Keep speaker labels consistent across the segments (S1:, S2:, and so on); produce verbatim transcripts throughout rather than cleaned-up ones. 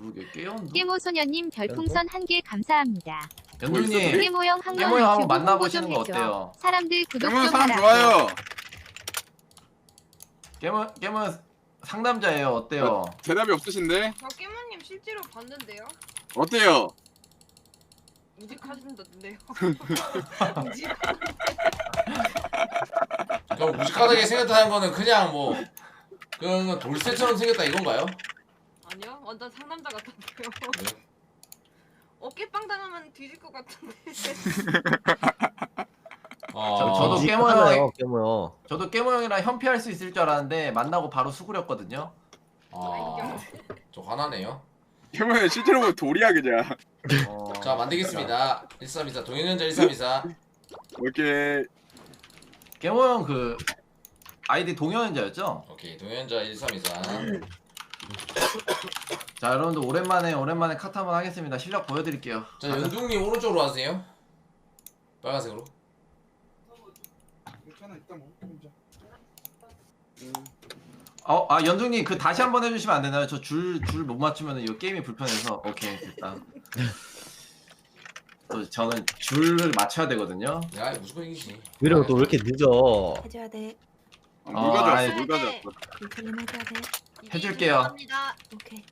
S1: 그러게 깨연두.
S2: 깨모소녀님 별풍선 한 개 감사합니다.
S1: 연두님
S2: 깨모형 항상
S1: 깨모형 한번
S2: 유튜브
S1: 만나보시는 거
S2: 홍보 좀 해줘.
S1: 어때요?
S2: 사람들 구독
S3: 깨모형
S2: 좀
S3: 사람
S2: 하라고.
S3: 좋아요.
S1: 깨모 깨모 상남자예요. 어때요?
S3: 대답이 없으신데?
S4: 저 깨모님 실제로 봤는데요.
S3: 어때요?
S4: 무직하신다던데요.
S5: 저 무식하게 생겼다는 거는 그냥 뭐 그냥 돌쇠처럼 생겼다 이건가요?
S4: 아니요, 완전 상남자 같던데요.
S5: 네.
S4: 어깨빵 당하면 뒤질 것 같은데.
S5: 어,
S1: 저- 저도
S6: 지-
S1: 깨모형-
S6: 하잖아요, 깨모형.
S1: 저도 깨모형이랑 현피할 수 있을 줄 알았는데 만나고 바로 수그렸거든요.
S5: 아, 저 화나네요.
S3: 깨모형 실제로 보면 돌이야 그냥.
S1: 어...
S5: 자 만들겠습니다. 일삼이사 동현현자 일삼이사.
S3: 오케이.
S1: 깨모형 그 아이디 동현자였죠?
S5: 오케이 동현현자 일삼이사.
S1: 자 여러분들 오랜만에 오랜만에 카트 한번 하겠습니다. 실력 보여드릴게요.
S5: 자 연둥님 오른쪽으로 와주세요. 빨간색으로.
S3: 괜찮아 이따 먹.
S1: 어, 아 연중님 그 다시 한번 해주시면 안 되나요? 저 줄 줄 못 맞추면 이 게임이 불편해서. 오케이 됐다. 또 저는 줄을 맞춰야 되거든요.
S5: 야 무조건 이기지.
S6: 위로 또 왜 이렇게 늦어?
S7: 해줘야 돼.
S3: 아, 물 가져왔어.
S1: 아이.
S3: 물 가져왔어.
S7: 인터넷 해줘야 돼.
S1: 해줄게요.
S4: 감사합니다.
S7: 오케이.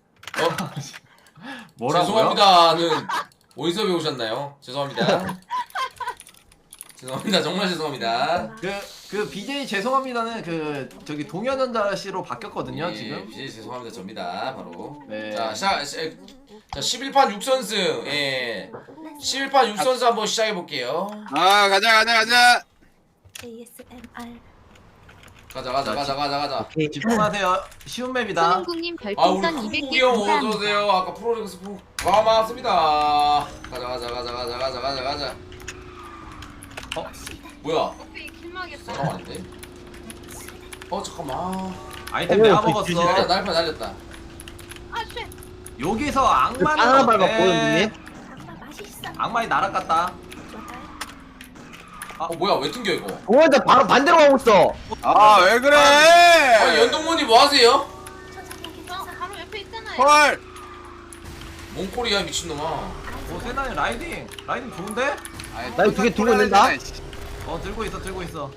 S1: 뭐라고요?
S5: 죄송합니다는 어디서 배우셨나요? 죄송합니다. 죄송합니다. 정말 죄송합니다.
S1: 그, 그 비제이 죄송합니다는 그 저기 동현전자 씨로 바뀌었거든요
S5: 예,
S1: 지금.
S5: 예, 죄송합니다. 접니다. 바로.
S1: 네.
S5: 자, 시작. 시, 자, 십일 판 육 선승. 예. 십일 판 육 선승 한번 시작해 볼게요.
S3: 아 가자 가자 가자.
S7: 에이에스엠알.
S5: 가자, 가자, 가자, 가자, 가자.
S6: 오케이.
S1: 집중하세요. 쉬운 맵이다.
S2: 손흥국님
S5: 아, 우리
S2: 별풍선 이백 개
S5: 쿵이 형
S2: 감사합니다.
S5: 어서 오세요. 아까 프로리그 스포 고맙습니다. 가자, 가자, 가자, 가자, 가자, 가자, 가자. 어? 뭐야?
S4: 커피 킬막했다.
S5: 사람 아닌데? 어, 잠깐만.
S1: 아이템
S6: 어,
S1: 내가
S6: 그
S1: 먹었어.
S6: 뒤지네.
S5: 야, 날파 날렸다.
S4: 아, 쉣.
S1: 여기서 악마는
S6: 하나 밟았고
S1: 어때?
S6: 연두님.
S7: 정말 맛있어.
S1: 악마이 날아갔다.
S5: 어, 뭐야? 왜 튕겨 이거?
S6: 공원자 바로 반대로 가고 있어.
S3: 아 왜 그래?
S5: 아니, 연동무님 뭐 하세요?
S4: 저 바로 옆에 있잖아요.
S3: 헐.
S5: 몽골이야 미친놈아.
S1: 오 세나이 라이딩. 라이딩 좋은데?
S6: 나 이거 두개 들고 있는다?
S1: 어 들고 있어 들고 있어.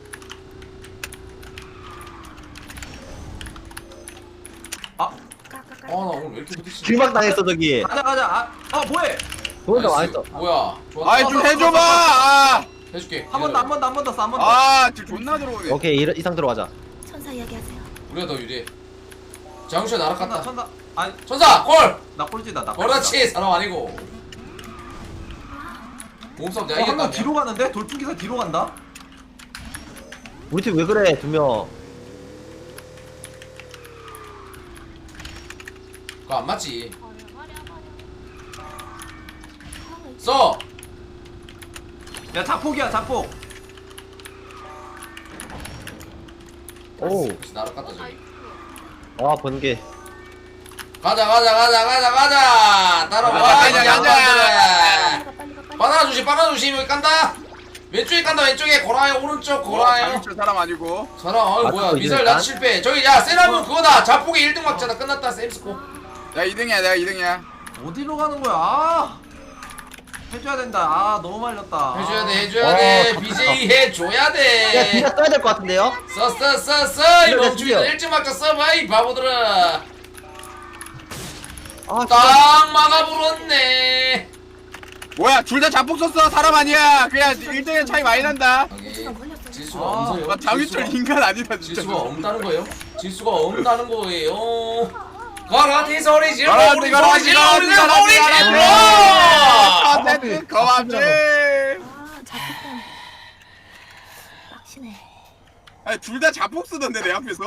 S1: 아
S5: 아, 나 오늘 왜 이렇게 부딪히지?
S6: 길막 당했어 저기.
S1: 가자 가자. 아, 아 뭐해?
S6: 공원자
S5: 나이스.
S6: 망했어.
S5: 뭐야? 좋았다.
S3: 아이 좀 해줘봐. 아,
S5: 해줄게.
S1: 한 번 더 한 번 더 한 번 더 써 한 번 더.
S3: 아 지금 존나 들어오네.
S6: 오케이 이, 이 상태로 가자.
S7: 천사 이야기하세요.
S5: 우리가 더 유리해. 장수야
S1: 천사
S5: 날아갔다.
S1: 천사. 아니
S5: 천사 콜.
S1: 나 꼴찌다 나 꼴찌다.
S5: 그렇지 사람 아니고. 몸싸움 내가
S1: 어, 한 명
S5: 이겼다.
S1: 뒤로 가는데? 돌풍기사 뒤로 간다?
S6: 우리 팀 왜 그래 두 명.
S5: 그거 안 맞지.
S4: 말이야, 말이야, 말이야.
S5: 써.
S1: 야 자폭이야 자폭.
S6: 오.
S5: 혹시 날아갔다 저기.
S4: 나이스.
S6: 아 번개.
S5: 가자 가자 가자 가자 가자. 따라와.
S3: 가자,
S5: 이
S3: 가자,
S5: 양반들아.
S7: 빨리 가 빨리 가 빨리.
S5: 바나나 주심 바나나 주심 여기 깐다. 왼쪽에 깐다 왼쪽에 고라요 오른쪽 고라요.
S3: 장윤철 사람 아니고.
S5: 사람 어
S6: 맞고
S5: 뭐야
S6: 있네,
S5: 미사일
S6: 일단.
S5: 나 실패. 저기 야 세라문 그거다. 자폭에 일 등 막자다 끝났다 쌤스코.
S3: 야 이 등이야 내가 이 등이야.
S1: 어디로 가는 거야? 아 해줘야 된다. 아 너무 말렸다.
S5: 해줘야 돼
S1: 아.
S5: 해줘야
S6: 어,
S5: 돼.
S6: 다
S5: 비제이 해줘야
S6: 야
S5: 돼.
S6: 진짜 써야 될 것 같은데요?
S5: 써 써 써 써 이
S6: 이거
S5: 멍충이들
S6: 됐어요.
S5: 일찍 막자 써봐 이 바보들아.
S6: 아 진짜.
S5: 딱 막아버렸네.
S3: 뭐야 둘 다 자폭 썼어. 사람 아니야. 그냥 일 등의 차이 많이 난다.
S5: 오케이.
S7: 걸렸어.
S5: 질수가
S1: 아,
S5: 없어요.
S3: 아, 장윤철
S5: 질수가-
S3: 인간 아니다 진짜.
S5: 질수가 없다는 거예요. 질수가 없다는 거예요. 가라티 소리 질러
S3: 가라티,
S5: 우리
S3: 가라티,
S5: 소리 질러 우리
S3: 가라티,
S5: 소리
S3: 가라티,
S5: 질러.
S3: 아, 어쨌든 거만지.
S7: 아 자꾸만. 빡치네.
S3: 아니 둘 다 자폭 쓰던데 내 앞에서.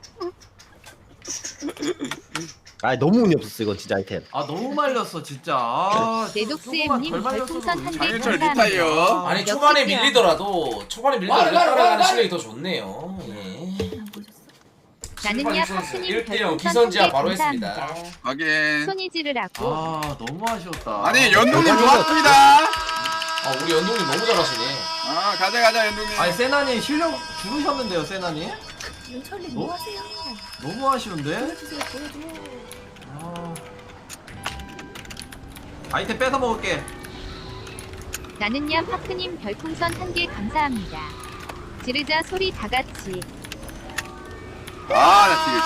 S6: 아 너무 운이 없었어 이거 진짜 아이템.
S1: 아 너무 말렸어 진짜. 아,
S2: 네독스엠님
S1: 조금만 덜 말렸어도
S2: 별풍선 한 개
S3: 장윤철
S2: 감사합니다.
S3: 리타이어.
S5: 아니
S2: 역시
S5: 초반에
S2: 뛰어.
S5: 밀리더라도 초반에 밀리더라도
S6: 말, 말,
S5: 따라가는
S6: 말,
S5: 실력이 더 좋네요. 예.
S7: 안 보셨어?
S2: 나는야
S5: 일
S2: 파크님
S5: 대 영
S2: 별풍선 한
S5: 기선제압
S2: 개
S5: 바로
S2: 감사합니다.
S5: 했습니다.
S3: 확인.
S2: 손이 지르라고.
S1: 아 너무 아쉬웠다.
S3: 아니 연동님
S6: 아,
S3: 좋았습니다.
S5: 아 우리 연동님 너무 잘하시네.
S3: 아 가자 가자 연동님.
S1: 아니 세나님 실력 줄으셨는데요 세나님?
S7: 윤철님
S1: 어?
S7: 뭐 하세요?
S1: 너무 아쉬운데?
S7: 보여주세요 보여줘.
S1: 아, 아이템 뺏어 먹을게.
S2: 나는야 파크님 별풍선 한 개 감사합니다. 지르자 소리 다 같이.
S3: 아나 딜.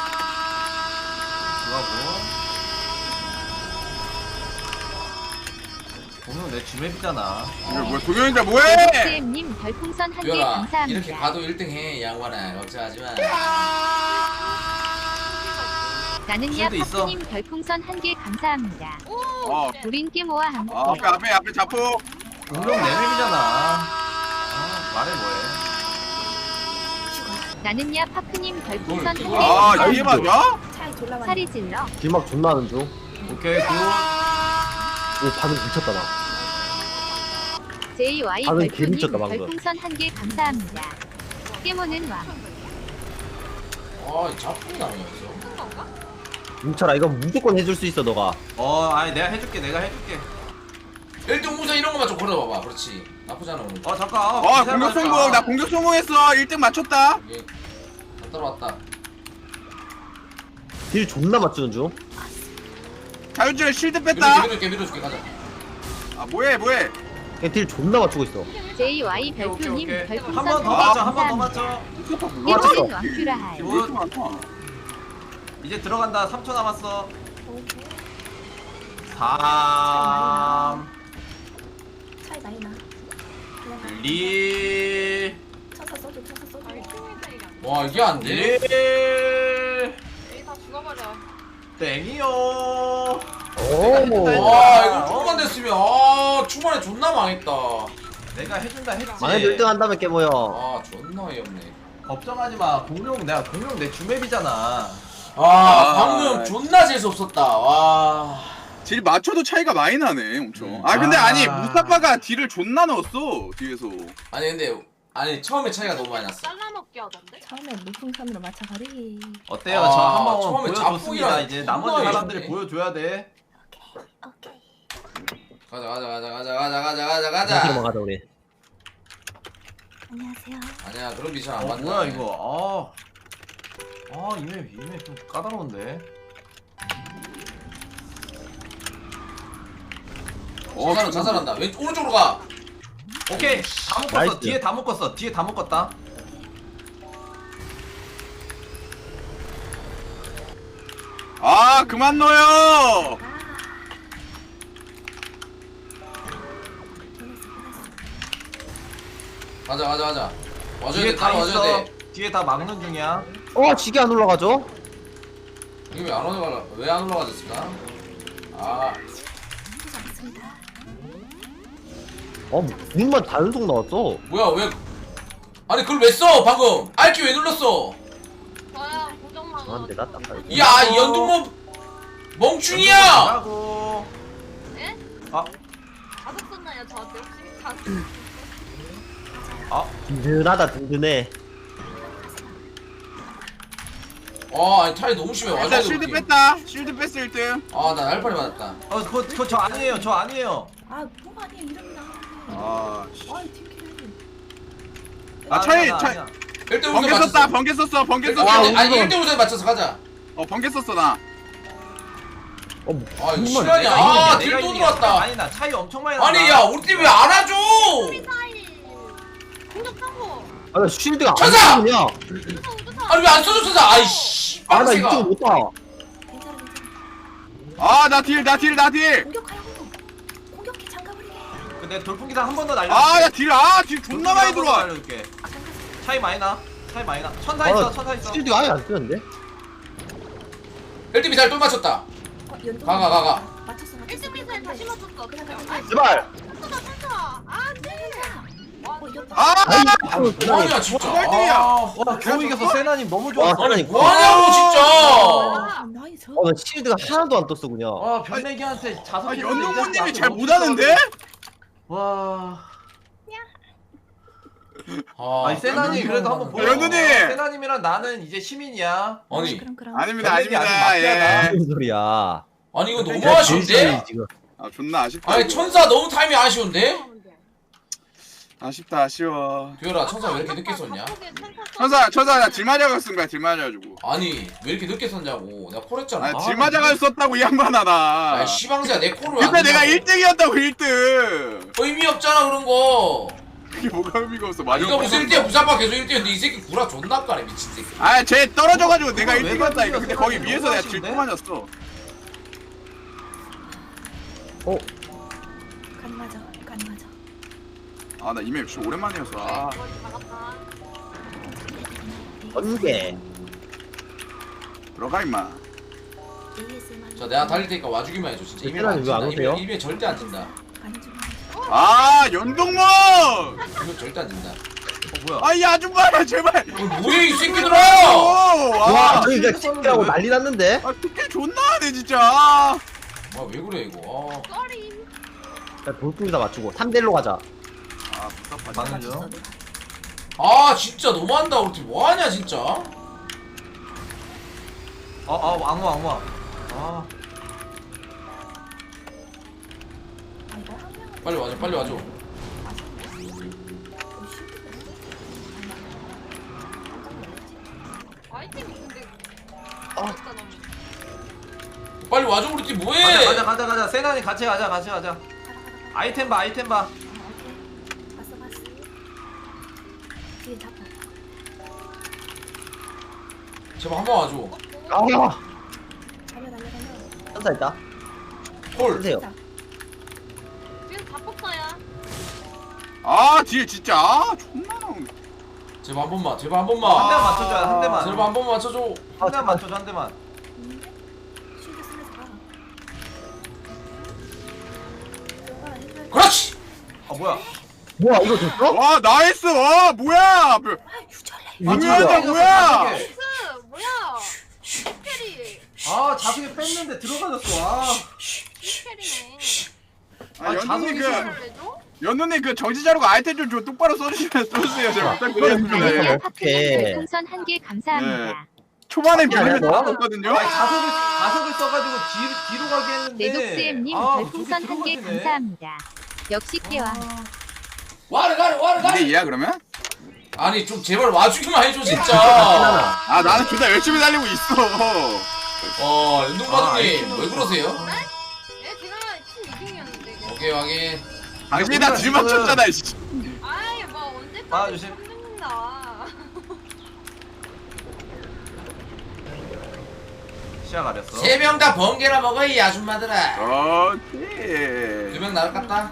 S1: 들어가고. 공룡 내 주맵이잖아.
S3: 이거 뭐야 동현이들 뭐해?
S2: 쌤님 별풍선 한 개
S5: 뷰라
S2: 감사합니다.
S5: 이렇게 가도 일 등 해 양반아 걱정하지마.
S2: 나는야
S1: 쉴드 있어.
S2: 파크님 별풍선 한 개 감사합니다.
S4: 오.
S3: 어.
S4: 쉣.
S2: 우린 깨모와 함께.
S3: 아, 앞에 앞에 앞에 자폭.
S1: 공룡 내 맵이잖아. 아, 말해 뭐해.
S2: 나는야 파크님 별풍선 한 개
S3: 아 이게
S2: 감사합니다.
S3: 맞아?
S7: 차이 졸라 많이.
S2: 살이 질러.
S6: 길막 존나 하는 중.
S1: 오케이 굿.
S6: 오 반응 미쳤다 나.
S2: 제이와이
S6: 방금
S2: 별풍님
S6: 개미쳤다, 방금.
S2: 별풍선 한 개 감사합니다. 깨모는 왕.
S5: 아이 자폭이 나오냐 여기서.
S4: 큰 건가?
S6: 뭉쳐라 이건 무조건 해줄 수 있어 너가.
S1: 어, 아니 내가 해줄게. 내가 해줄게.
S5: 일 등 우선 이런 것만 좀 걸어봐봐. 그렇지. 나쁘잖아 오늘.
S1: 어 잠깐. 아,
S3: 어
S1: 기다려봐,
S3: 공격 성공.
S1: 잠깐.
S3: 나 공격 성공했어. 일 등 맞췄다.
S5: 이게 다 따라왔다.
S6: 딜 존나 맞추는 중.
S3: 자유줄 실드
S5: 밀어줄게
S3: 뺐다.
S5: 밀어줄게 밀어줄게 가자.
S3: 아 뭐해 뭐해?
S6: 그냥 딜 존나 맞추고 있어.
S2: 제이와이
S1: 오케이, 오케이,
S2: 별풍님
S1: 오케이.
S2: 별풍선
S1: 한 번 더
S3: 아,
S1: 맞춰. 한 번 더
S2: 감사합니다.
S1: 맞춰.
S2: 깨모는 왕큐라하이.
S3: 왜 이렇게 많아?
S1: 이제 들어간다. 삼 초 남았어.
S7: 오케이.
S1: 삼,
S7: 차이 많이 나. 그냥 가.
S1: 이,
S7: 쳐서 써줘 쳐서 써줘.
S4: 아이 팀일때 이게 안 돼.
S5: 와 이게 안 돼?
S1: 일,
S4: 에이 다 죽어버려.
S1: 땡이요.
S6: 오.
S5: 와 이거 조금만 됐으면 아 초반에 존나 망했다.
S1: 내가 해준다 했지.
S6: 만약에 일 등 한다면 깨모여.
S5: 아 존나 어이없네.
S1: 걱정하지 마. 공룡 내가 공룡 내 주맵이잖아.
S5: 아
S3: 아,
S5: 방금 존나 재수 없었다. 와.
S3: 딜 맞춰도 차이가 많이 나네 엄청.
S5: 음.
S3: 아 근데
S1: 아.
S3: 아니 무사파가 딜을 존나 넣었어 뒤에서.
S5: 아니 근데 아니 처음에 차이가 너무 많이 났어.
S4: 잘라먹기 하던데?
S7: 처음에 높은 선으로 맞춰버리기.
S1: 어때요?
S5: 아,
S1: 저 한번
S5: 처음에
S1: 보여줬습니다.
S5: 자폭이랑
S1: 이제
S5: 존나
S1: 나머지 사람들이
S5: 어이없네.
S1: 보여줘야 돼.
S7: 오케이.
S5: 가자 가자 가자 가자 가자 가자 가자
S6: 가자.
S5: 가자.
S6: 가자 우리.
S7: 안녕하세요.
S5: 아니야 그런 미션 안
S1: 어
S5: 받는다.
S1: 뭐야 이거? 아, 아 이맵 이맵 좀 까다로운데.
S3: 어,
S5: 자살은 자살한다. 왼 오른쪽으로 가.
S1: 오케이 다 묶었어.
S6: 나이스.
S1: 뒤에 다 묶었어. 뒤에 다 묶었다.
S3: 아 그만 넣어요.
S7: 아. 보냈어 보냈어.
S5: 가자 가자 가자. 와줘야
S1: 뒤에
S5: 돼.
S1: 다
S5: 따라 와줘야
S1: 있어.
S5: 돼.
S1: 뒤에 다 막는 중이야.
S6: 어 지게 안 올라가죠?
S5: 이게 왜 안 올라가? 왜 안 올라가졌을까? 아
S7: 수고하셨습니다.
S6: 어 눈만 단속 나왔어.
S5: 뭐야 왜? 아니 그걸 왜 써? 방금 알키 왜 눌렀어?
S4: 저야 고정만.
S6: 아 근데 나 딱.
S5: 야 이 연동모 멍충이야!
S1: 하고.
S4: 예?
S1: 아,
S4: 가속 썼나요 저한테 혹시? 가속.
S1: 아,
S6: 든든하다 든든해.
S5: 아 아니 타이 너무 심해. 와줘야
S3: 일단
S5: 돼.
S3: 실드
S5: 우리.
S3: 뺐다. 실드 뺐어 일 등.
S5: 아나 알파리 맞았다.
S1: 어, 그거 그거 저 아니에요. 저 아니에요.
S7: 아 뭐가 아니야 이름이 나.
S3: 아, 씨.
S7: 아이 팀킬이.
S3: 아, 차이,
S1: 아니야, 나
S3: 차이.
S1: 아니야.
S5: 일 등
S3: 번개
S5: 우선
S3: 썼다.
S5: 맞췄어.
S3: 번개 썼어. 번개
S5: 일
S3: 썼어.
S5: 등
S6: 와,
S5: 우선- 아니
S6: 우선.
S5: 일 등 우선 맞춰서 가자.
S3: 어 번개 썼어 나.
S6: 어
S5: 아 이거
S6: 정말.
S5: 실화냐?
S1: 내가
S5: 아
S1: 이기니까,
S5: 딜
S1: 내가
S5: 또
S1: 이기니까
S5: 들어왔다.
S1: 아니 나 차이 엄청 많이 나.
S5: 아니 야 우리 팀 왜 안 와줘?
S4: 미사일. 공격하고.
S6: 아나 쉴드가 안
S5: 천사!
S6: 쓰냐?
S4: 우주사 우주사.
S5: 아니 왜 안 써줬어? 아이씨.
S6: 아나
S5: 빡세가.
S6: 이쪽 못 봐.
S7: 괜찮아 괜찮아.
S3: 아 나 딜 나 딜 나 딜.
S7: 공격하라고. 공격해 장가버리게.
S1: 근데 돌풍기상 한 번 더 날려.
S3: 아 야 딜 아 딜 존나 많이 들어와.
S1: 날려줄게. 차이 많이 나. 차이 많이 나. 천사
S6: 아,
S1: 있어. 천사 있어.
S6: 쉴드가 아예 안 쓰는데?
S5: 일 등 미사일 또 맞췄다.
S7: 어, 연동.
S5: 가, 가, 가, 가.
S7: 맞췄어 맞췄어.
S4: 일 등 미사일 다시 맞췄어.
S7: 그냥
S4: 그냥
S7: 가자.
S6: 제발.
S4: 천사 천사. 아 네. 와
S7: 어 이겼다.
S3: 아
S6: 아이
S5: 뭐하냐 진짜.
S3: 꼴등이야.
S5: 아,
S1: 와 겨우 이겼어. 세나님 너무
S6: 와
S1: 좋았어.
S5: 아니
S6: 세나님.
S5: 뭐하냐고 진짜.
S7: 아, 나이 저.
S6: 어나 쉴드가 하나도 안 떴어 그냥.
S1: 와 변내기한테 자석.
S3: 아 연동모님이 잘 못하는데?
S1: 와.
S5: 아,
S1: 아니 세나님 그래도 한번 보여.
S3: 연두님!
S1: 세나님이랑 나는 이제 시민이야.
S5: 아니
S7: 그럼 그럼.
S3: 아닙니다
S1: 변내기 아주
S3: 아닙니다.
S1: 마피아다.
S3: 예.
S6: 무슨 소리야?
S5: 아니 이거 너무
S6: 제가
S5: 아쉬운데?
S6: 제일 지금.
S3: 아 존나 아쉽다.
S5: 아니
S3: 이거.
S5: 천사 너무 타이밍 아쉬운데?
S3: 아쉽다 아쉬워.
S5: 듀얼아 천사 왜 이렇게 늦게
S4: 아까
S5: 썼냐?
S4: 바쁘게 천사 써.
S3: 천사 천사 나 딜맞아가 쓴 거야 딜맞아가지고.
S5: 아니 왜 이렇게 늦게 썼냐고 내가 콜했잖아.
S3: 아 딜맞아가 썼다고 이 양반아 나.
S5: 야 시방새야 내 콜을 왜 안
S3: 근데 내가
S5: 넣냐고.
S3: 일 등이었다고 일 등.
S5: 의미 없잖아 그런 거.
S3: 그게 뭐가 의미가 없어.
S5: 아, 네가 무슨 일 등이야 무사파 계속 일 등이었는데 이 새끼 구라 존나 까네 미친 새끼.
S3: 아쟤 떨어져가지고 내가
S1: 왜
S3: 일 등이었다니까. 근데 거기
S1: 너무
S3: 위에서 내가
S1: 아쉬운데?
S3: 딜 맞았어.
S6: 어?
S7: 간 맞아. 간 맞아.
S3: 아 나 이메일 진짜 오랜만이어서. 아.
S4: 거의 다 갔다.
S6: 번개.
S3: 들어가 임마.
S7: 에이에스만.
S5: 자 내가 달릴 테니까 와주기만 해줘 진짜. 이메일
S6: 얘들아,
S5: 안
S6: 왜안
S5: 진다. 이메일,
S6: 오세요?
S5: 이메일 절대 안 진다.
S7: 가는 중.
S3: 아 연동문.
S5: 이메일 절대 안 진다.
S1: 어 뭐야?
S3: 아이 아줌마야 제발.
S5: 어, 뭐야 이 새끼들아!
S3: 와.
S6: 와 저기 그냥 찍기라고 난리 났는데?
S3: 아 특히 존나 하네 진짜. 아
S5: 아 왜 그래 이거. 아.
S4: 쏘리.
S6: 야 돌풍이다 맞추고 삼 대 일로 가자.
S3: 답답하지.
S1: 맞는 중.
S7: 맞췄어, 내가.
S5: 아 진짜 너무한다 우리 팀 뭐하냐 진짜.
S1: 아아 왕호 왕호. 아
S7: 아, 이거 한 명은
S5: 빨리 와줘 빨리 와줘.
S4: 아이템이 근데
S1: 어.
S4: 어렵다 너무.
S5: 빨리 와줘 우리 팀 뭐해.
S1: 가자 가자 가자 가자. 세나니 같이 가자 같이 가자. 아이템 봐 아이템 봐.
S7: 오케이. 봤어, 봤어. 뒤에 잡아.
S5: 제발 한 번 와줘.
S6: 아
S7: 달려, 달려, 달려.
S6: 천사 있다.
S5: 콜.
S6: 하세요.
S7: 자,
S4: 지금 다 뽑아야.
S3: 아 뒤에 진짜 아 존나 나오네.
S5: 제발 한 번만 제발 한
S1: 한 대만
S5: 번만.
S1: 맞춰줘야 한 대만.
S5: 제발 한 번만 맞춰줘.
S1: 한 대만 맞춰줘 한 대만.
S7: 있는데? 쉴드 쓰면서 가. 들어가, 해줘야지.
S5: 그렇지.
S1: 아 뭐야?
S6: 뭐야 이거 됐어?
S3: 와 나이스 와 뭐야. 뭐,
S7: 아, 유절래.
S3: 뭐야
S1: 이거
S3: 뭐야.
S1: 자석에.
S4: 스 뭐야? 스캐리.
S1: 아 자석에 뺐는데 들어가졌어. 아.
S4: 스캐리네.
S3: 아
S1: 아,
S3: 연두님
S1: 자석이
S3: 그
S4: 줘?
S3: 연두님 그 정지자료가 아이템 좀, 좀 똑바로 써주시면 써주세요. 제가 부탁드리겠습니다.
S6: 그래.
S3: 예.
S2: 나는야 파크님
S6: 어떡해.
S2: 별풍선 한 개 감사합니다.
S3: 초반에
S6: 야,
S3: 밀리면
S6: 야,
S3: 다
S6: 너.
S3: 넣었거든요.
S1: 아니 자석을 자석을 써가지고 뒤 뒤로 가게 했는데.
S2: 내독스엠님
S1: 아,
S2: 별풍선
S1: 저게
S2: 한 개
S1: 들어가지네.
S2: 감사합니다. 역시 깨와.
S5: 와르 가르 와르
S3: 이게
S5: 가르.
S3: 이야 그러면?
S5: 아니 좀 제발 와주기만 해줘 진짜.
S3: 아 나는 둘 다 열심히 달리고 있어.
S5: 어
S1: 아,
S5: 윤동바둑님
S1: 아이템은
S5: 왜 그러세요?
S4: 얘 제가 팀 이등이었는데.
S5: 오케이 확인.
S3: 당신이 다 딜 맞췄잖아. 씨.
S4: 아이 뭐 언제까지
S1: 봐주심.
S4: 힘든다.
S1: 시야 가렸어.
S5: 세 명 다 번개나 먹어 이 아줌마들아.
S3: 오케이.
S5: 두 명 날아갔다.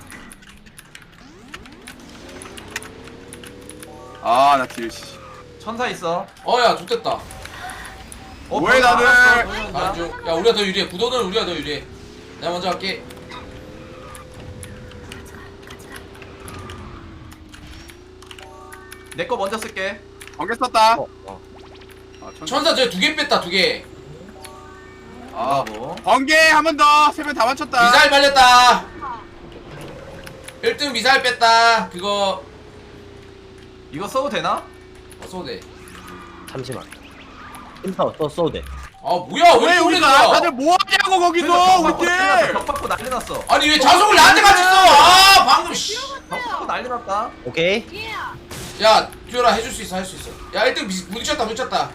S3: 아나 딜. 씨.
S1: 천사 있어.
S5: 어야 좋됐다.
S1: 어,
S3: 뭐해,
S1: 벌써
S3: 다들?
S1: 알았어, 도전자.
S5: 가는 중. 야 우리가 더 유리해. 구도는 우리가 더 유리해. 내가 먼저 할게.
S1: 내 거 먼저 쓸게.
S3: 번개 썼다.
S6: 어, 어.
S3: 아, 천...
S5: 천사 저 두 개 뺐다 두 개.
S3: 아
S1: 뭐.
S3: 번개 한 번 더. 세 명 다 맞췄다.
S5: 미사일 말렸다. 일 등 미사일 뺐다. 그거
S1: 이거 써도 되나?
S5: 어 써도 돼.
S6: 잠시만. 인파 또 써도 돼.
S5: 아 뭐야 왜
S3: 왜
S5: 이렇게 오래
S3: 우리가
S5: 걸려?
S3: 다들 뭐 하냐고 거기서
S1: 벽
S3: 우리 팀.
S1: 벽 받고 난리 났어.
S5: 아니 왜 자석을 나한테 같이 써? 아 방금 씨.
S1: 벽 받고 난리 났다.
S6: 오케이.
S4: 예.
S5: 야 듀얼아 해줄 수 있어 할 수 있어. 야 일 등 미- 부딪혔다 부딪혔다.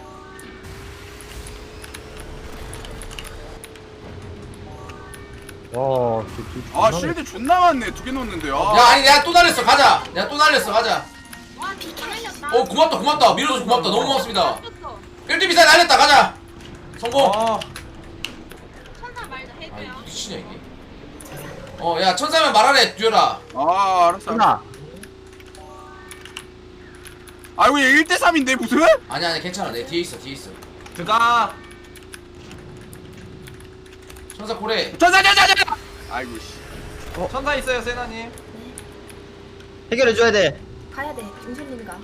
S6: 와. 저, 저,
S3: 아
S6: 저,
S3: 쉴드 존나 많네. 두 개 넣었는데. 아.
S5: 야 아니 내가 또 날렸어 가자. 내가 또 날렸어 가자.
S4: 와 비켜 날렸다.
S5: 어 고맙다 고맙다 밀어줘서 고맙다 너무 고맙습니다.
S4: 쳤어.
S5: 일 등 미사일 날렸다 가자. 성공.
S1: 아,
S4: 천사 말도
S5: 아니
S4: 해줘요.
S5: 부딪히냐 이게. 어 야 천사면 말하래 듀얼아.
S3: 아 알았어.
S6: 하나.
S3: 아이고 얘 일 대 삼인데 무슨?
S5: 아니 아니 괜찮아 내 뒤에 있어 뒤에 있어.
S1: 들어가.
S5: 천사 고래.
S3: 자자자자자. 아이고 씨.
S1: 천사 있어요, 세나님.
S6: 해결해 줘야 돼.
S7: 가야 돼. 중실님 가.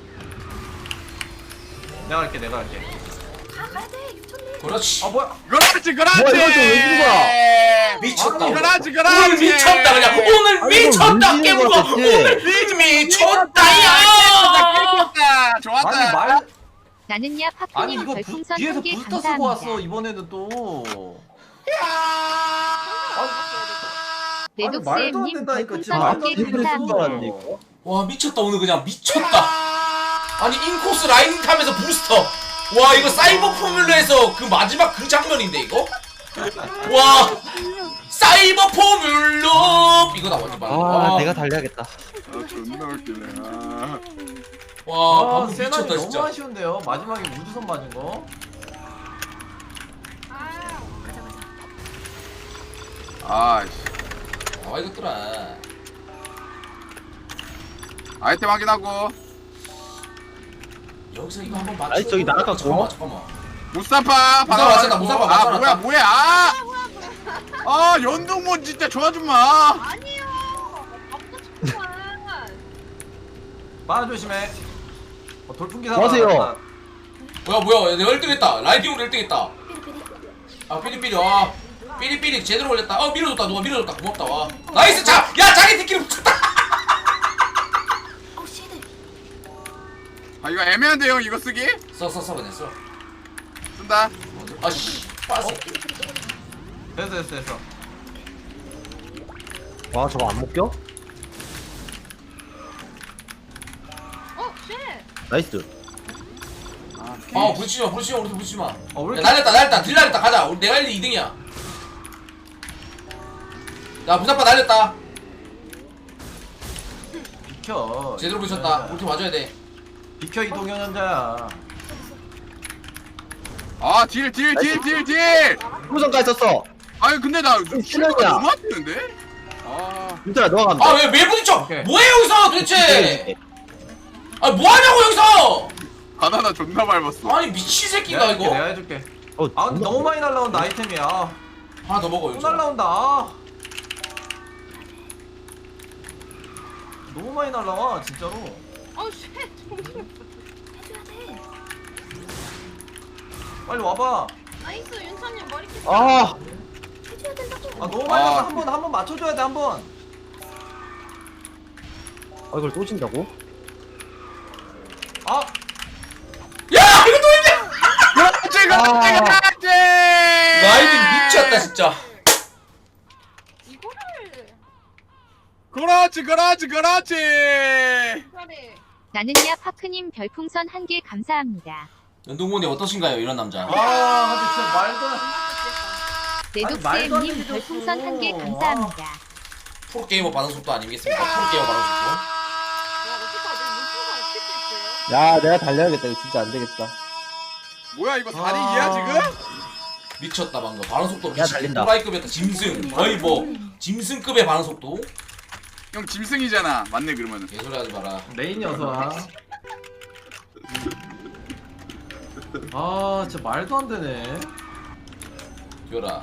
S1: 내가 할게, 내가 할게.
S7: 가, 가야 돼. 유천님.
S5: 그렇지.
S1: 아 뭐야?
S3: 그렇지 그렇지.
S6: 뭐야, 이걸 또왜 주는 거야?
S5: 미쳤다.
S1: 아니,
S5: 오늘.
S3: 그렇지 그렇지.
S5: 오늘 미쳤다 그냥. 오늘
S6: 아니, 이거
S5: 미쳤다
S6: 왜
S5: 깨물어.
S6: 주는 거야,
S5: 오늘
S6: 대체?
S5: 미쳤다야.
S3: 깼다. 좋았다.
S1: 아니 말
S2: 나는야
S1: 아니
S2: 파크님
S1: 이거 부,
S2: 별풍선
S1: 뒤에서
S2: 한 개
S1: 부스터 쓰고 왔어
S2: 감사합니다.
S1: 이번에는 또.
S2: 내독스엠님
S1: 된다니까,
S2: 별풍선
S1: 지금
S2: 한 개
S1: 말도 안 되는
S2: 감사합니다.
S1: 소리야.
S6: 이거.
S5: 와 미쳤다 오늘 그냥 미쳤다. 아니 인코스 라인 타면서 부스터. 와 이거 사이버 포뮬러에서 그 마지막 그 장면인데 이거? 와 사이버 포뮬러 이거다 완전 말.
S6: 아 내가 달려야겠다.
S3: 아 존나 웃기네. 아.
S5: 와
S1: 아,
S5: 방금
S1: 세나이
S5: 미쳤다
S1: 너무
S5: 진짜.
S1: 아쉬운데요. 마지막에 우주선 맞은 거.
S4: 아,
S7: 가자 가자.
S3: 아이씨.
S5: 아 이것들아.
S3: 아이템 확인하고.
S5: 여기서 이거 한번 맞춰.
S6: 아니, 저기 날아갔고.
S5: 잠깐만 잠깐만.
S3: 무사파
S5: 무사파 맞췄다, 무사파
S3: 아
S5: 맞춰놨다.
S3: 뭐야 뭐야 아! 아 연동문 진짜 좋아 좀마
S4: 아니요. 아무도 잠깐만.
S1: 빠 조심해. 어, 돌풍기
S6: 뭐 하세요?
S1: 사람.
S5: 뭐야 뭐야 내가 일 등 했다. 라이딩으로 일 등 했다.
S7: 삐리삐리.
S5: 아 삐리삐리 와 삐리삐리 제대로 올렸다. 어 밀어줬다 누가 밀어줬다 고맙다 와 나이스 자 야 자기 팀끼리 붙였다.
S7: 어우 씨들.
S3: 아 이거 애매한데요 이거 쓰기?
S5: 써써써 그냥 써.
S3: 쓴다
S5: 아씨 빠졌어.
S1: 됐어 됐어 됐어.
S6: 와 저거 안 묶여?
S4: 어, 쉣.
S6: 나이스.
S5: 아 부딪히지마 부딪히지마 우리 부딪히지마.
S1: 어, 왜
S5: 야
S1: 이렇게-
S5: 날렸다 날렸다 딜 날렸다 가자. 우리 내가 일 등 이 등이야. 야 부사파 날렸다.
S1: 비켜.
S5: 제대로 부딪혔다. 우리 팀 와줘야 돼.
S1: 비켜 이동현 현자야.
S3: 아딜딜딜딜딜
S6: 후성까지 썼어.
S3: 아니 근데 나
S6: 실력이야.
S3: 너무 안 되는데? 아
S6: 윤철아 너가 가면 돼.
S5: 아 왜 왜 부딪혀?
S1: 오케이.
S5: 뭐해 여기서 도대체? 아 뭐하냐고 여기서?
S3: 바나나 존나 밟았어
S5: 아니 미친 새끼가
S1: 내가 해줄게,
S5: 이거.
S1: 내가 해줄게.
S6: 어,
S1: 아 근데
S6: 존나-
S1: 너무 많이 날라온다 아이템이야. 아,
S5: 하나 더 먹어
S1: 또
S5: 여기서.
S1: 날라온다. 아. 너무 많이 날라와 진짜로.
S4: 어, 쉣. 정신.
S7: 해줘야 돼.
S1: 빨리 와봐.
S4: 나이스, 윤찬님 머리 깼
S6: 아
S7: 해줘야 된다고.
S1: 아 너무 많이
S3: 아,
S1: 날라. 한번 한 번 맞춰줘야 돼 한 번.
S6: 아, 이걸 또 진다고?
S1: 아
S5: 야 이거 또 있냐?
S3: 그렇지 그렇지
S6: 아.
S3: 그렇지
S5: 라이딩 미쳤다 진짜.
S4: 이거를.
S3: 그렇지 그렇지 그렇지
S4: 이거를.
S2: 나는야 파크님 별풍선 한 개 감사합니다.
S5: 연동문이 어떠신가요 이런 남자?
S1: 아, 근데 진짜 말도 안 말도 안
S2: 네독스엠님
S1: 되게
S2: 별풍선 한 개
S1: 줬어.
S2: 감사합니다.
S5: 프로게이머 반응 속도 아니겠습니까? 프로게이머 반응 속도.
S4: 야, 어떡하지? 문서가 어떻게 됐어요?
S6: 야 내가 달려야겠다. 이거 진짜 안 되겠다.
S3: 뭐야 이거
S1: 아.
S3: 다리기야 지금?
S5: 미쳤다 방금 반응 속도
S6: 야,
S5: 미친
S6: 달린다.
S5: 호라이급이었다. 짐승 거의 뭐 짐승급의 반응 속도.
S3: 형 짐승이잖아 맞네 그러면은
S5: 개소리 하지 마라.
S1: 메인 녀석. 아 진짜 말도 안 되네.
S5: 기어라.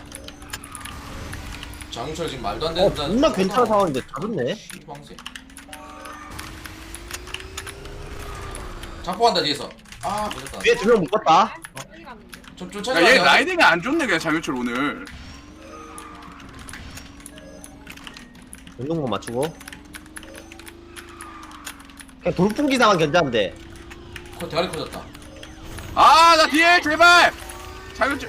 S5: 장윤철 지금 말도 안
S6: 어
S5: 되는
S6: 존나 괜찮은 상황인데 잡았네.
S5: 방세. 자포한다 뒤에서. 아 못했다.
S6: 뒤에 두 명 묶었다.
S4: 빨리 갔는데.
S5: 좀
S3: 야,
S5: 쫓아가야
S3: 얘
S5: 돼.
S3: 라이딩이 안 좋네 그냥 장윤철 오늘
S6: 운동복 맞추고. 그냥 돌풍기 상황 견제하면 돼.
S5: 코 대가리 커졌다.
S3: 아 나 뒤에 제발 장윤철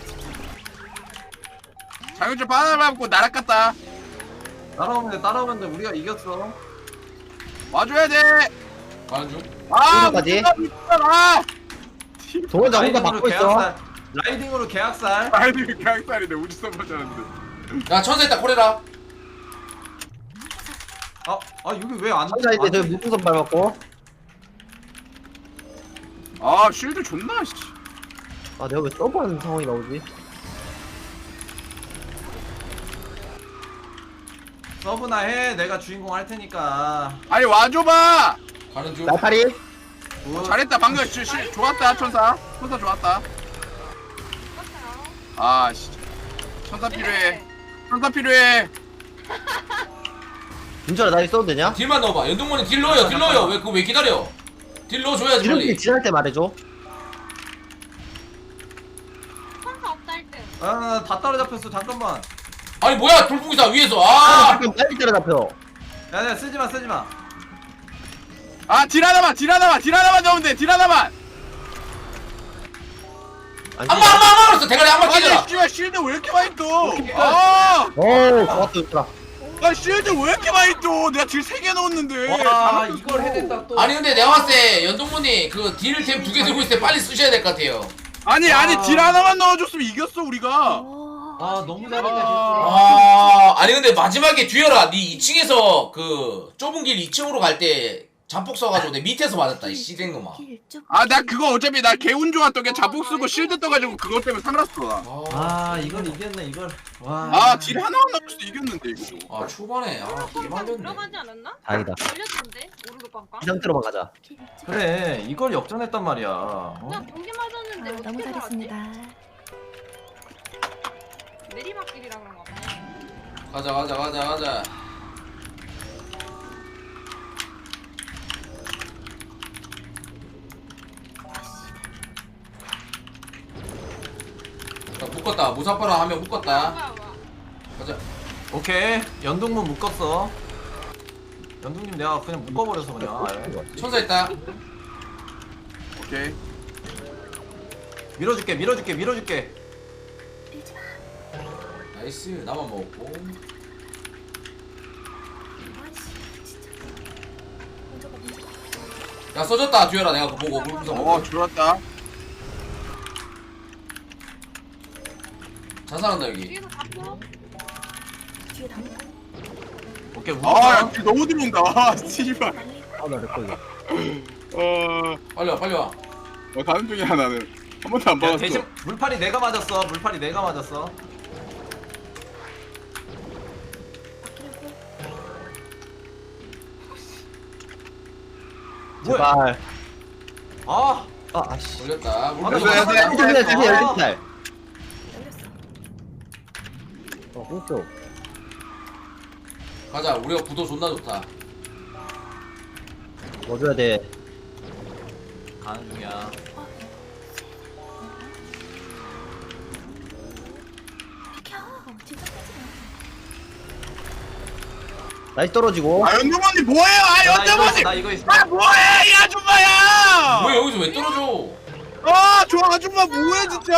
S3: 장윤철 바나나 밟고 날아갔다
S1: 따라오면 돼 따라오면 돼. 우리가 이겼어.
S3: 와줘야 돼
S5: 가는 중.
S3: 아,
S6: 여기까지.
S3: 아,
S6: 동원자 혼자
S1: 라이딩으로
S6: 받고 있어.
S1: 계약살. 라이딩으로 계약살.
S3: 아이디 계약살이네 우주선 맞았는데.
S5: 야 천사 있다 코레라.
S1: 아, 아 여기 왜안
S6: 천사인데 저기 무풍선 밟았고.
S3: 아, 쉴드 존나 씨.
S6: 아 내가 왜 서브하는 상황이 나오지?
S1: 서브나 해. 내가 주인공 할 테니까.
S3: 아니 와줘봐.
S5: 가는 중.
S6: 날파리.
S1: 굿.
S3: 잘했다 방금 시, 시, 좋았다 천사. 천사 좋았다.
S4: 똑같아요.
S3: 아 씨. 천사 필요해. 천사 필요해.
S6: 윤철아 나 이거 써도 되냐?
S5: 딜만 넣어봐. 연동문이 딜 넣어요. 딜 넣어요. 왜 그거 왜 기다려? 딜 넣어줘야지
S6: 이렇게
S5: 빨리.
S6: 지날 때 말해줘.
S4: 천사 없다 할 때.
S1: 아, 다 따라잡혔어. 잠깐만.
S5: 아니 뭐야 돌풍기사 위에서.
S6: 아
S5: 아.
S6: 잠깐 빨리 때려잡혀.
S1: 야, 야, 쓰지 마, 쓰지 마.
S3: 아, 딜 하나만, 딜 하나만, 딜 하나만 넣으면 돼. 딜 하나만.
S6: 아니.
S5: 한번 한번 한번 했어. 대가리 한번
S3: 아니,
S5: 깨져라.
S3: 씨발 쉴드 왜 이렇게 많이 떠? 아,
S6: 오 좋았다 윤철아.
S3: 아 실드 왜 이렇게 많이 줘? 내가 딜 세 개 넣었는데.
S1: 와 이걸 해냈다 또.
S5: 아니 근데 내가 봤을 때 연동문이 그 딜 템 두 개 들고 있을 때 빨리 쓰셔야 될 것 같아요.
S3: 아니 아니 딜 하나만 넣어줬으면 이겼어 우리가.
S1: 아 너무 잘했다.
S5: 아 아니 근데 마지막에 듀얼아 니 이 층에서 그 좁은 길 이 층으로 갈 때 잠복 써가지고 내 밑에서 맞았다 이 씨댕놈아.
S3: 아 나 그거 어차피 나 개운 좋았던 게 자폭 쓰고 실드 떠가지고 그것 때문에 살았어 나.
S1: 아 이걸 이겼네 이걸. 와.
S3: 아 딜 하나만 넣었을 때 이겼는데 이거.
S5: 아 초반에 아
S4: 이
S5: 개만졌네.
S4: 들어가지 않았나?
S6: 다행이다.
S4: 걸렸던데 오른쪽 빵빵.
S6: 이 상태로만 가자.
S1: 그래 이걸 역전했단 말이야. 어?
S4: 그냥 경기 맞았는데
S7: 아,
S4: 어떻게
S7: 너무
S4: 살았지?
S7: 잘했습니다.
S4: 내리막길이라 그런가 보네.
S5: 가자 가자 가자 가자. 자, 묶었다. 무사파랑 하면 묶었다.
S4: 와, 와.
S5: 가자.
S1: 오케이 연동문 묶었어. 연동님 내가 그냥 묶어버려서 그냥. 아예.
S5: 천사 있다.
S3: 오케이.
S1: 밀어줄게 밀어줄게 밀어줄게.
S5: 나이스. 나만 먹었고. 야 써졌다 듀얼아 내가 그거 보고 물분석
S3: 어
S5: 보고.
S3: 줄었다.
S5: 자살한다 여기.
S4: 뒤에서 잡혀.
S7: 뒤에 담
S1: 오케이
S3: 아야
S1: 묶었어.
S3: 딜 너무 들어온다. 아 씨발.
S6: 아나 렉걸려.
S3: 어,
S5: 빨리 와 빨리 와.
S3: 어 다른 중이야 나는. 한 번도 안
S1: 야,
S3: 받았어.
S1: 대신 물파리 내가 맞았어. 물파리 내가 맞았어. 뭐야?
S6: 제발.
S1: 아,
S6: 아 아씨.
S5: 걸렸다.
S1: 아,
S5: 물분석
S1: 나
S5: 걸렸다.
S1: 이거
S6: 대신에 대신에
S1: 아.
S6: 열린 살.
S7: 열렸어.
S6: 어 공수.
S5: 가자. 우리가 구도 존나 좋다.
S6: 뭐 줘야 돼?
S1: 가는 중이야.
S7: 비켜. 진짜 빼지
S6: 나이스 떨어지고.
S3: 아 연두머니 뭐해요? 아
S1: 나 이거 있어,
S3: 연두머니.
S1: 나 이거 있어.
S3: 아 뭐해 이 아줌마야.
S5: 왜 여기서 왜 떨어져?
S3: 아저 아줌마 뭐해 진짜.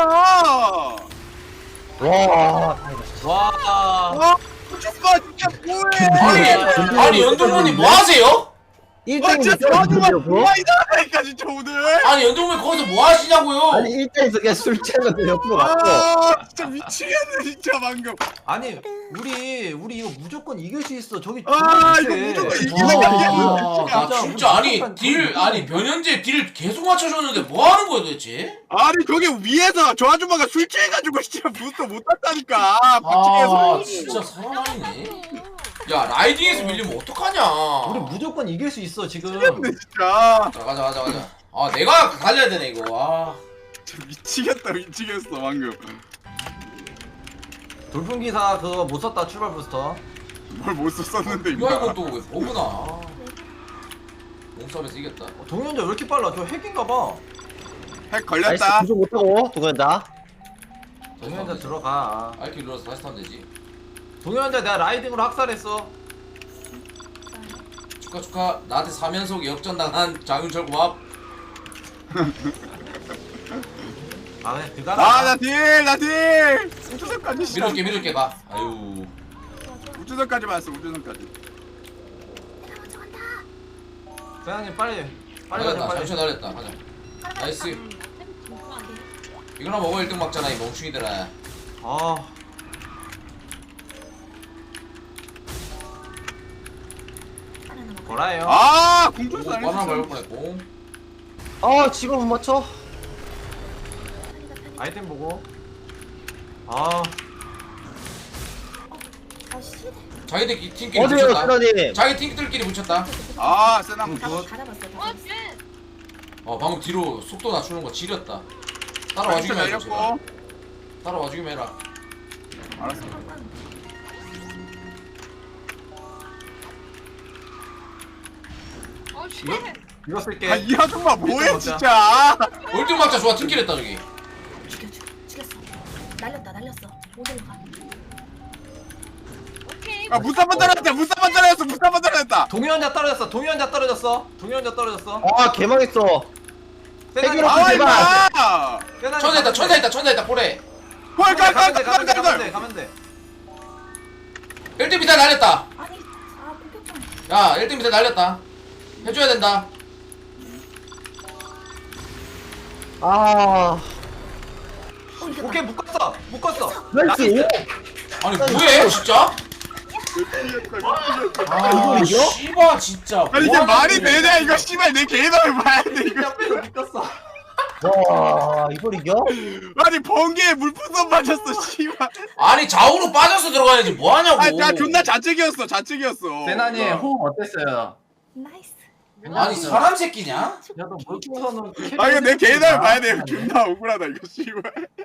S6: 와.
S1: 와.
S3: 아 아줌마 진짜 뭐해.
S5: 아니 아니 연동문이 뭐 하세요?
S3: 아
S6: 일 등이
S3: 진짜 저 아줌마
S6: 떨어지려고?
S3: 뭐하이다니까 진짜 오늘.
S5: 아니 연동문이 거기서 뭐 하시냐고요?
S6: 아니 일 등에서 그냥 술 취하면서 옆으로 갔어.
S3: 아 진짜 미치겠네 진짜 방금.
S1: 아니, 우리 우리 이거 무조건 이길 수 있어. 저기
S3: 아
S1: 저기
S3: 이거
S1: 밑에.
S3: 무조건
S5: 와,
S3: 이기는
S5: 나
S1: 진짜
S5: 진짜 아니
S1: 무조건
S5: 딜
S1: 무조건
S5: 아니 변현재 딜 계속 맞춰줬는데 뭐 하는 거야 도대체?
S3: 아니 저기 위에서 저 아줌마가 술 취해가지고 진짜 부스터 못 탔다니까.
S5: 아
S3: 박치기에서.
S5: 진짜 사람 아니네. 야 라이딩에서 밀리면 어떡하냐?
S1: 우리 무조건 이길 수 있어 지금.
S3: 미치겠네 진짜.
S5: 자 가자 가자 가자. 아 내가 달려야 되네 이거. 아
S3: 진짜 미치겠다 미치겠어 방금.
S1: 돌풍 기사 그거 못 썼다 출발 부스터.
S3: 뭘 못 썼었는데
S5: 이거
S3: 이거.
S5: 이거 또왜 버그나? 아, 몸싸움에서 이겼다.
S1: 어, 동현자 왜 이렇게 빨라? 저 핵인가 봐.
S3: 핵
S6: 나이스
S3: 걸렸다.
S6: 구조 못하고 동현자.
S1: 동현자 들어가.
S5: 알키 눌러서 다시 타면 되지.
S1: 동현자 내가 라이딩으로 학살했어.
S5: 축하 축하. 나한테 사면속 역전당한 장윤철 고맙.
S1: 아 그냥 들어가라.
S3: 아나 딜, 나 딜. 우주선까지.
S5: 밀어줄게 밀어줄게 가. 아유.
S3: 우주선까지 왔어 우주선까지.
S1: 세상님 빨리 빨리 가자
S5: 날렸다.
S1: 빨리.
S5: 잠시만 날렸다. 가자. 나이스. 이거나 먹어 일 등 막잖아 이 멍충이들아.
S1: 아 뭐라요?
S3: 아 공중선 안
S5: 바나나 밟을
S3: 했어.
S5: 뻔했고.
S6: 아 지금 못 맞춰.
S1: 아이템 보고. 아
S7: 아씨.
S5: 자기들 팀끼리
S6: 어디에요
S5: 붙였다.
S6: 쓰러님?
S5: 자기 팀들끼리 붙였다.
S3: 아 세나 못
S7: 가라
S3: 쳤어.
S7: 갈아봤어.
S4: 어, 쟤.
S5: 어 방금 뒤로 속도 낮추는 거 지렸다. 따라와 주기만 해줘 제발.
S3: 내렸고.
S5: 따라와 주기만 해라.
S3: 알았어.
S4: 어, 씨.
S1: 이거 쓸게.
S3: 아이 아줌마 뭐해
S1: 먹자.
S3: 진짜.
S5: 일 등 막자 좋아 팀끼리 했다 저기.
S7: 죽여 죽여 죽였어. 날렸다 날렸어. 못 올라가.
S4: 오케이.
S3: 아 무사번 떨어졌다 무사번 떨어졌어 무사번 떨어졌다.
S1: 동현자 떨어졌어. 동현자 떨어졌어. 동현자 떨어졌어.
S6: 아 개망했어.
S1: 세상님
S6: 핵으로
S3: 아
S6: 제발.
S3: 임마.
S1: 세상님
S5: 천사 있다
S1: 가면
S5: 천사
S1: 돼.
S5: 있다 천사 있다 보래.
S3: 헐
S1: 가면 돼 가면 돼 가면 돼
S3: 깔깔깔깔깔.
S1: 돼 가면 돼.
S5: 일 등 비타 날렸다. 야 일 등 밑에 날렸다. 해줘야 된다.
S6: 아
S7: 어 이겼다.
S1: 오케이 묶었어 묶었어.
S6: 나이스.
S5: 아니 뭐해 진짜? 아
S6: 이거 이겨?
S5: 씨발 진짜.
S3: 아니 이게
S5: 뭐하는
S3: 말이
S5: 거야.
S3: 되냐 이거 씨발 내 개인함을 봐야 돼 이거.
S1: 옆에서 묶었어.
S6: 와 이걸 이겨?
S3: 아니 번개에 물풍선 맞았어 씨발.
S5: 아니 좌우로 빠져서 들어가야지 뭐하냐고.
S3: 아니 나 존나 좌측이었어 좌측이었어.
S1: 세나니 호흡 어땠어요?
S7: 나이스.
S5: 아니 사람 새끼냐?
S1: 야너 물풍선은.
S3: 아 이거 내 개인함을 봐야 돼. 존나 억울하다 이거 씨발.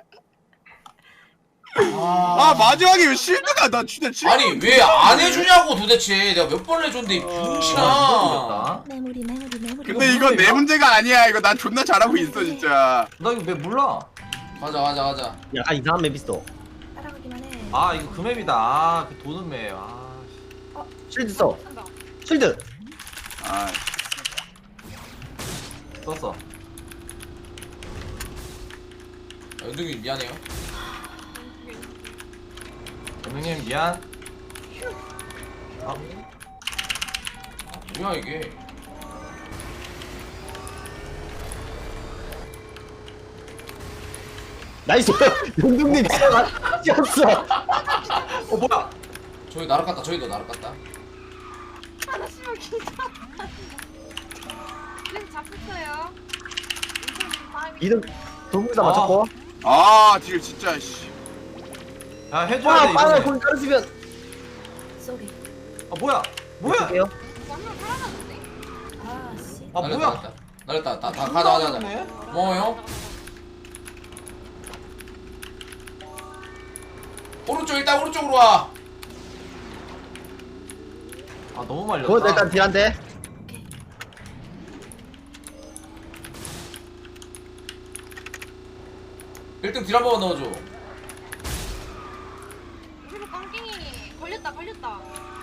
S3: 아 마지막에 왜 실드가 나 진짜 실.
S5: 아니 왜 안 해주냐고 도대체. 내가 몇 번을 해줬는데 이 병신아.
S1: 아,
S7: 메모리 메모리 메모리.
S3: 근데 이건 내 문제가 아니야. 이거 난 존나 잘하고 있어 진짜.
S1: 나 이거 왜 몰라?
S5: 가자 가자 가자.
S6: 약간 이상한 맵 있어.
S7: 따라가기만 해.
S1: 아 이거 그 맵이다. 아그 도는 맵. 아.
S6: 실드 써.
S4: 한다.
S6: 실드.
S3: 아
S1: 썼어.
S5: 연둥이 미안해요.
S1: 연웅님 미안. 아,
S5: 뭐야 이게.
S6: 나이스. 연동님 뛰었어.
S1: 어 뭐야?
S5: 저기 날아갔다. 저기도 날아갔다.
S4: 아 씨발 진짜. 그래서 잡혔어요.
S6: 이등 동물사
S1: 아.
S6: 맞췄고.
S3: 아딜 진짜 씨.
S1: 야 해줘야
S6: 와
S1: 돼
S6: 빵을
S1: 이거.
S6: 공 떨어지면.
S7: 쏘리.
S1: 아 뭐야? 뭐야?
S6: 할게요.
S4: 완전 살아났는데?
S7: 아 씨.
S1: 아
S5: 날렸다,
S1: 뭐야?
S5: 날렸다. 날렸다. 다, 다 가자 가자 가자. 뭐요? 오른쪽 일단 오른쪽으로 와.
S1: 아 너무 말렸다.
S6: 그건 일단 딜한데.
S7: 오케이.
S5: 일 등 딜 한 번만 넣어줘.
S4: 그리고 깡깽이 걸렸다 걸렸다.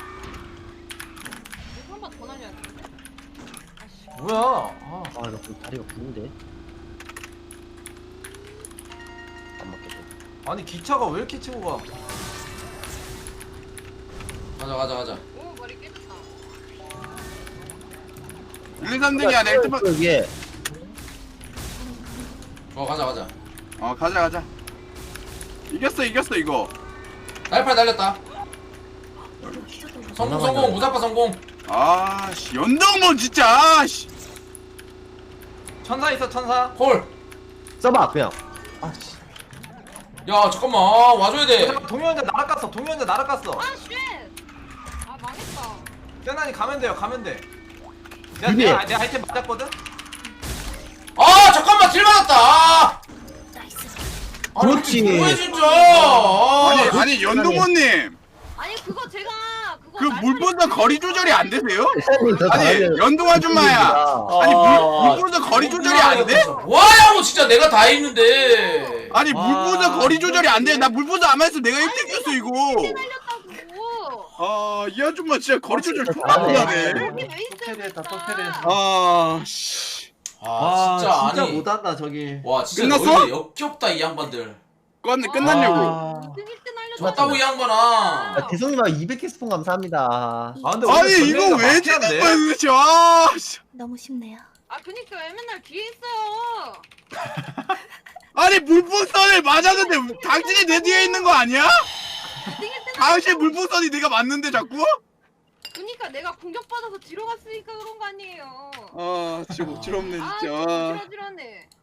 S4: 이거 한 번 더 날려야 돼. 아씨.
S1: 뭐야? 아,
S6: 아나 다리가 부는데. 안 맞겠어.
S1: 아니 기차가 왜 이렇게 치고 가?
S5: 가자 가자 가자.
S4: 오 머리 깨졌다.
S3: 일, 이, 삼 등이 아니야 일 등만.
S6: 위에.
S5: 어 가자 가자.
S3: 어 가자 가자. 이겼어 이겼어 이거.
S5: 날팔 날렸다.
S7: 이거 기적도 못.
S5: 성공 성공 무사파 성공.
S3: 아씨 연동문 진짜. 씨.
S1: 천사 있어 천사.
S5: 홀.
S6: 써봐 그냥. 아 씨.
S5: 야 잠깐만 아, 와줘야 돼.
S1: 동현자 날아갔어. 동현자 날아갔어.
S4: 아 쉣. 아 망했다.
S1: 세나니 가면 돼요. 가면 돼. 내가
S6: 이게-
S1: 내, 내 아이템 맞았거든.
S5: 아 잠깐만 딜 맞았다. 아.
S7: 나이스.
S5: 아니
S6: 그렇지.
S5: 이게 뭐야 진짜. 아,
S3: 아니 아니 연동문님
S4: 아니 그거 제가 그거
S3: 그
S4: 날파리-
S3: 물보다 거리 조절이 안 되세요?
S6: 세상이 더
S3: 아니
S6: 잘하는
S3: 연동 아줌마야. 아니 물 물보다 거리 조절이 안 돼?
S5: 뭐하냐고 진짜 내가 다 했는데.
S3: 아니
S1: 와.
S3: 물보다 거리 조절이 안 돼. 나 물보다 안 했으면 내가 일 등이었어 이거.
S4: 날렸다고.
S3: 아이 아줌마 진짜 거리 조절
S6: 진짜
S3: 존나
S6: 잘하네.
S3: 못하네.
S4: 여기 왜 있어?
S1: 또 캐리했다, 또 캐리했다.
S3: 아 씨.
S5: 아 진짜 아니.
S1: 못한다 저기.
S5: 와 진짜
S3: 끝났어?
S5: 너희들 역겹다 이 양반들.
S3: 끝 끝났냐고.
S1: 아,
S4: 등 일 등 날렸다.
S5: 졌다고 이 양반아.
S6: 아, 대성님아 이백 개 스폰 감사합니다.
S1: 아 근데
S3: 아니
S1: 오늘
S3: 이거
S1: 전략이
S3: 왜 지는
S1: 막히는데?
S3: 거야 도대체. 아 씨.
S7: 너무 쉽네요.
S4: 아 그니까 왜 맨날 뒤에 있어요?
S3: 아니 물풍선을 맞았는데 당신이 내 뒤에 있는 거 아니야?
S4: 등 일 등
S3: 당신 물풍선이 내가 맞는데 자꾸?
S4: 그니까 내가 공격받아서 뒤로 갔으니까 그런 거 아니에요.
S3: 아 진짜 목지럽네
S4: 아
S3: 진짜.
S4: 지러지러네.